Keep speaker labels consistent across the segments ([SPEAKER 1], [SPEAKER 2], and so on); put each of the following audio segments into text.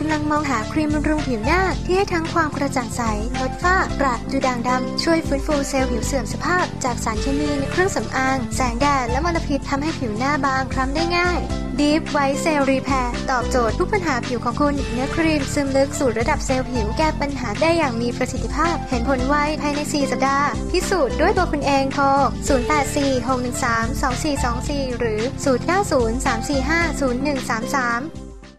[SPEAKER 1] ำลังมองหาครีมบำรุงผิวหน้าที่ให้ทั้งความกระจ่างใสลดฝ้ากระดูด่างดำช่วยฟื้นฟูเซลล์ผิวเสื่อมสภาพจากสารเคมีในเครื่องสำอางแสงแดดและมลพิษทำให้ผิวหน้าบางคล้ำได้ง่าย Deep White Cell Repair ตอบโจทย์ทุกปัญหาผิวของคุณเนื้อครีมซึมลึกสู่ระดับเซลล์ผิวแก้ปัญหาได้อย่างมีประสิทธิภาพเห็นผลไวภายใน 4 สัปดาห์พิสูจน์ด้วยตัวคุณเองโทร 0846132424 หรือ 0903450133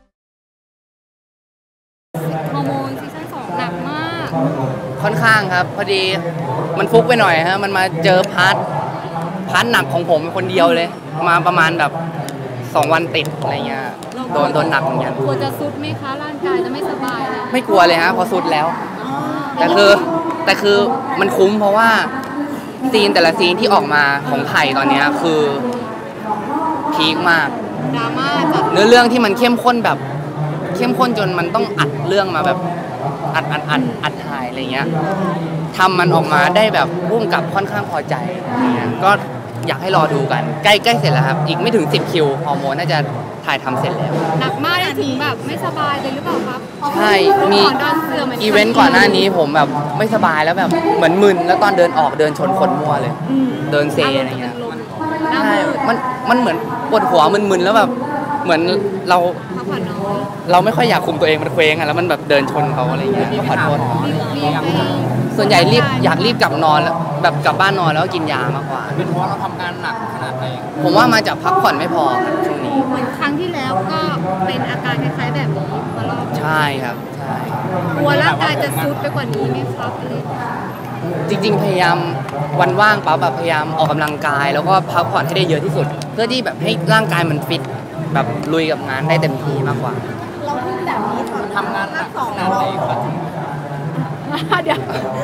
[SPEAKER 2] ฮอร์โมนซีซั่น2หนักมาก
[SPEAKER 3] ค่อนข้างครับพอดีมันฟุกไปหน่อยฮะมันมาเจอพาร์ทหนักของผมคนเดียวเลยมาประมาณแบบ2 วันติดอะไรเงี้ยโดนหนักเหมือนกัน
[SPEAKER 2] กลัวจะซุดไหมคะร่างกายจะไม่สบายเลย
[SPEAKER 3] ไม่กลัวเลยฮะพอสุดแล้วแต่คือมันคุ้มเพราะว่าซีนแต่ละซีนที่ออกมาของไผ่ตอนนี้คือพีคมาก
[SPEAKER 2] ดราม่าจัด
[SPEAKER 3] เนื้อเรื่องที่มันเข้มข้นแบบเข้มข้นจนมันต้องอัดเรื่องมาแบบอัดถ่ายอะไรเงี้ยทำมันออกมาได้แบบพุ่งกับค่อนข้างพอใจก็อยากให้รอดูกันใกล้เสร็จแล้วครับอีกไม่ถึง10 คิวฮอร์โมนน่าจะถ่ายทำเสร็จแล้ว
[SPEAKER 2] หนักมากถึงแบบไม่สบายเลยหรือเปล่าครับ
[SPEAKER 3] ใช่มีอีเวนต์ก่อนหน้านี้ผมแบบไม่สบายแล้วแบบเหมือนมึนแล้วตอนเดินออกเดินชนคนมั่วเลยเดินเซอะไรเงี้ยใช่มันเหมือนปวดหัวมึนๆแล้วแบบเหมือนเราไม่ค่อยอยากคุมตัวเองมันเคว้งอะแล้วมันแบบเดินชนเขาอะไรเงี้ยก็ขอโทษส่วนใหญ่อยากรีบกลับนอนแล้วแบบกลับบ้านนอนแล้วกินยามากกว่า
[SPEAKER 4] เป็นเพราะเราทำงานหนักขนาดไหน
[SPEAKER 3] ผมว่ามาจากพักผ่อนไม่พอครับช่วงนี้
[SPEAKER 2] เหมือนครั้งที่แล้วก็เป็นอาการคล้ายๆแบบนี้มาลอบ
[SPEAKER 3] ใช่ครับใช่
[SPEAKER 2] กลัวร่างกายจะซุดไปกว่านี้ไหมครับ
[SPEAKER 3] จริงๆพยายามวันว่างปั๊บแบบพยายามออกกำลังกายแล้วก็พักผ่อนให้ได้เยอะที่สุดเพื่อที่แบบให้ร่างกายมันฟิตแบบลุยกับงานได้เต็มที่มากกว่า
[SPEAKER 4] เราพูดแบบนี้ทำงานหนักขนาดไหนครับ
[SPEAKER 2] เดี๋ยว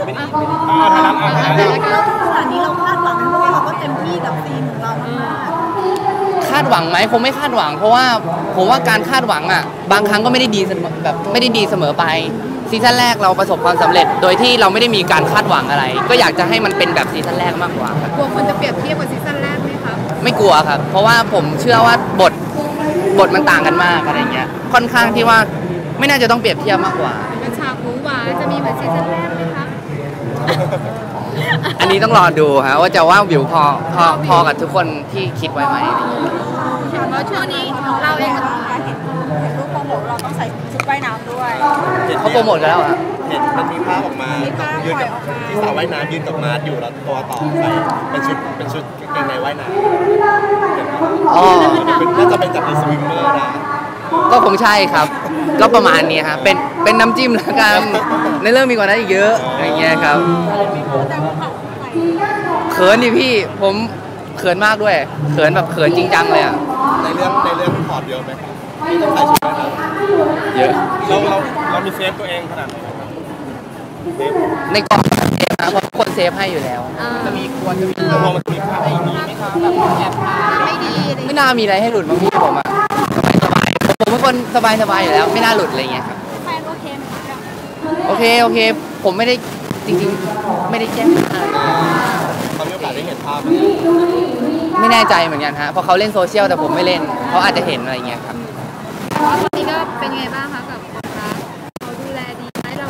[SPEAKER 4] แล้วขนาดนี้เราคาดหวังเพราะว่าเราก็เต็มที่กับซีนของเรามาก
[SPEAKER 3] คาดหวังไหมคงไม่คาดหวังเพราะว่าผมว่าการคาดหวังอ่ะบางครั้งก็ไม่ได้ดีแบบไม่ได้ดีเสมอไปซีซั่นแรกเราประสบความสำเร็จโดยที่เราไม่ได้มีการคาดหวังอะไรก็อยากจะให้มันเป็นแบบซีซั่นแรกมากกว่าครับ
[SPEAKER 2] กลัวคนจะเปรียบเทียบกับซีซั่นแรกไหมครับ
[SPEAKER 3] ไม่กลัวครับเพราะว่าผมเชื่อว่าบทมันต่างกันมากอะไรเงี้ยค่อนข้างที่ว่าไม่น่าจะต้องเปรียบเทียบมากกว่า
[SPEAKER 2] เป็นฉากหวือหวาจะมีเหมือนซีซั่นแรกไหมคะ
[SPEAKER 3] อันนี้ต้องรอดูฮะว่าจะว่าวิวพอกับทุกคนที่คิดไว้ไหม
[SPEAKER 2] เพราะช่วงนี้เราเอง
[SPEAKER 4] เห็นรูปโปรโมทเราต้องใส่ชุดว่ายน้ำด้วย
[SPEAKER 3] เขาโปรโมทกันแล้ว
[SPEAKER 4] อะเห็นมันมีภาพออกมายืนกับที่สาวว่ายน้ำยืนกับมาร์ทอยู่แล้วตัวต่อใส่เป็นชุดกางเกงในว่ายน้ำน่าจะเป็นจากในสวิมเมอร์นะ
[SPEAKER 3] ก็คงใช่ครับก็ประมาณนี้ฮะเป็นน้ำจิ้มแล้วกันในเรื่องมีกว่านั้นอีกเยอะอย่างเงี้ยครับเขินดิพี่ผมเขินมากด้วยเขินแบบเขินจริงจังเลยอ่ะ
[SPEAKER 4] ในเรื่องถอดเยอะไหมที่ต้องใส่ชุดว่ายน้ำ
[SPEAKER 3] เยอะ
[SPEAKER 4] เรามีเซฟตัวเองขนาดไหน
[SPEAKER 3] ในกล่องเซฟนะเพราะคนเซฟให้อยู่แล้ว
[SPEAKER 4] จะมีมันจะมีภาพให้มีไหมครับแบบแอบถ่าย
[SPEAKER 2] ไม่ดี
[SPEAKER 3] ไม่น่ามีอะไรให้หลุดบางทีผมอะสบายผมเป็นคนสบายอยู่แล้วไม่น่าหลุดอะไรเงี้ยครับ
[SPEAKER 2] แฟนโอเคไหมครับ
[SPEAKER 3] โอเคผมไม่ได้จริงๆไม่ได้แจ้ง
[SPEAKER 4] เขามีโอกาสได้เห็นภาพ
[SPEAKER 3] ไม่แน่ใจเหมือนกันฮะเพราะเขาเล่นโซเชียลแต่ผมไม่เล่นเขาอาจจะเห็นอะไรเงี้ยครับ
[SPEAKER 2] ตอนนี้ก็เป็นไงบ้างคะกับคนรักเขาดูแลดีไหมเรา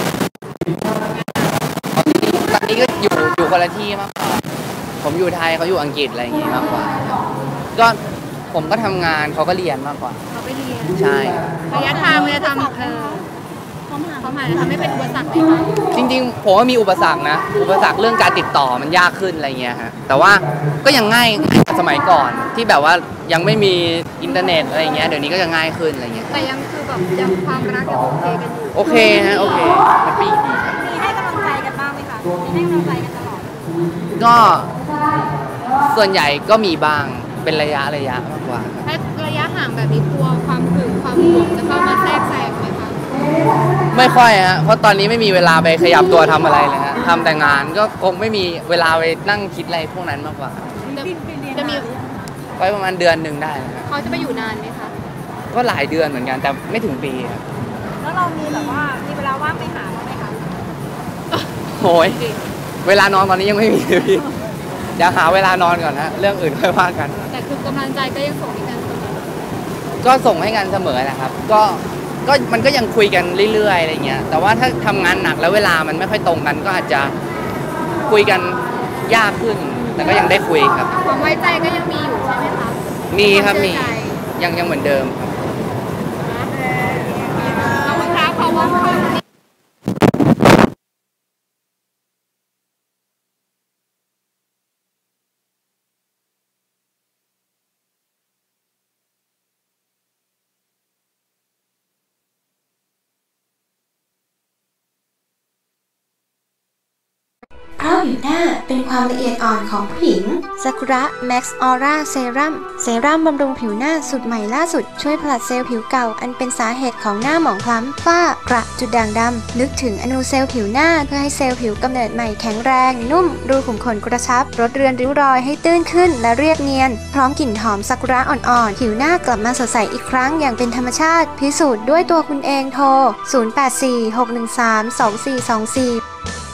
[SPEAKER 3] ตอนนี้ก็อยู่คนละที่มากกว่าผมอยู่ไทยเขาอยู่อังกฤษอะไรอย่างงี้มากกว่าก็ผมก็ทำงานเขาก็เรียนมากกว่า
[SPEAKER 2] เขาไปเรียน
[SPEAKER 3] ใช่
[SPEAKER 2] ระยะทางมันจะทำเขาหมายทำให้เป็นอุปสรรคไหมคะ
[SPEAKER 3] จริงๆผมว่ามีอุปสรรคนะอุปสรรคเรื่องการติดต่อมันยากขึ้นอะไรเงี้ยฮะแต่ว่าก็ยังง่ายสมัยก่อนที่แบบว่ายังไม่มีอินเทอร์เน็ตอะไรเงี้ยเดี๋ยวนี้ก็จะง่ายขึ้นอะไรเงี้ย
[SPEAKER 2] แต่ยังคือแบบยังความรักยังโอเคกันอยู่
[SPEAKER 3] โอเคฮะโอเคแฮปปี้ดีครับ
[SPEAKER 2] มีให้กำลังใจกันบ้างไหมคะมีให้กำลังใจกันตลอด
[SPEAKER 3] ก็ส่วนใหญ่ก็มีบ้างเป็นระยะมากกว่า
[SPEAKER 2] ระยะห่างแบบนี้กลัวความหึงความห่วงจะเข้ามาแทรกแซงไหมคะ
[SPEAKER 3] ไม่ค่อยฮะเพราะตอนนี้ไม่มีเวลาไปขยับตัวทำอะไรเลยฮะทำแต่งานก็คงไม่มีเวลาไปนั่งคิดอะไรพวกนั้นมากกว่า
[SPEAKER 2] จะมี
[SPEAKER 3] ไว้ประมาณเดือนหนึ่งได้
[SPEAKER 2] เขาจะไปอยู่นานไหมคะ
[SPEAKER 3] ก็หลายเดือนเหมือนกันแต่ไม่ถึงปีครับ
[SPEAKER 2] แล้วเรามีแบบว่ามีเวลาว่างไปหาบ้างไหมคะ
[SPEAKER 3] โอ้ยเวลานอนตอนนี้ยังไม่มีเลยพี่เดี๋ยวหาเวลานอนก่อนฮะเรื่องอื่นค่อยว่ากัน
[SPEAKER 2] แต่คือกำลังใจก็ยังส่งให้กันเสมอ
[SPEAKER 3] ก็ส่งให้กันเสมอนะครับก็มันก็ยังคุยกันเรื่อยๆอะไรเงี้ยแต่ว่าถ้าทำงานหนักแล้วเวลามันไม่ค่อยตรงกันก็อาจจะคุยกันยากขึ้นแต่ก็ยังได้คุยครับ
[SPEAKER 2] ความไว้ใจก็ยังมีอยู่ใช่ไหมคะ
[SPEAKER 3] มีครับมี
[SPEAKER 2] วาเชื่อใจ
[SPEAKER 3] ยังเหมือนเดิมครับ
[SPEAKER 2] ขอบคุณครับขอบคุณค่ะ
[SPEAKER 1] เพราะผิวหน้าเป็นความละเอียดอ่อนของผู้หญิงซากุระแม็กซ์ออร่าเซรั่มบำรุงผิวหน้าสูตรใหม่ล่าสุดช่วยผลัดเซลล์ผิวเก่าอันเป็นสาเหตุของหน้าหมองคล้ำฝ้ากระจุดด่างดำนึกถึงอนูเซลล์ผิวหน้าเพื่อให้เซลล์ผิวกำเนิดใหม่แข็งแรงนุ่มรูขุมขนกระชับลดเรือนริ้วรอยให้ตื้นขึ้นและเรียบเนียนพร้อมกลิ่นหอมซากุระอ่อนๆผิวหน้ากลับมาสดใสอีกครั้งอย่างเป็นธรรมชาติพิสูจน์ด้วยตัวคุณเองโทร 0846132424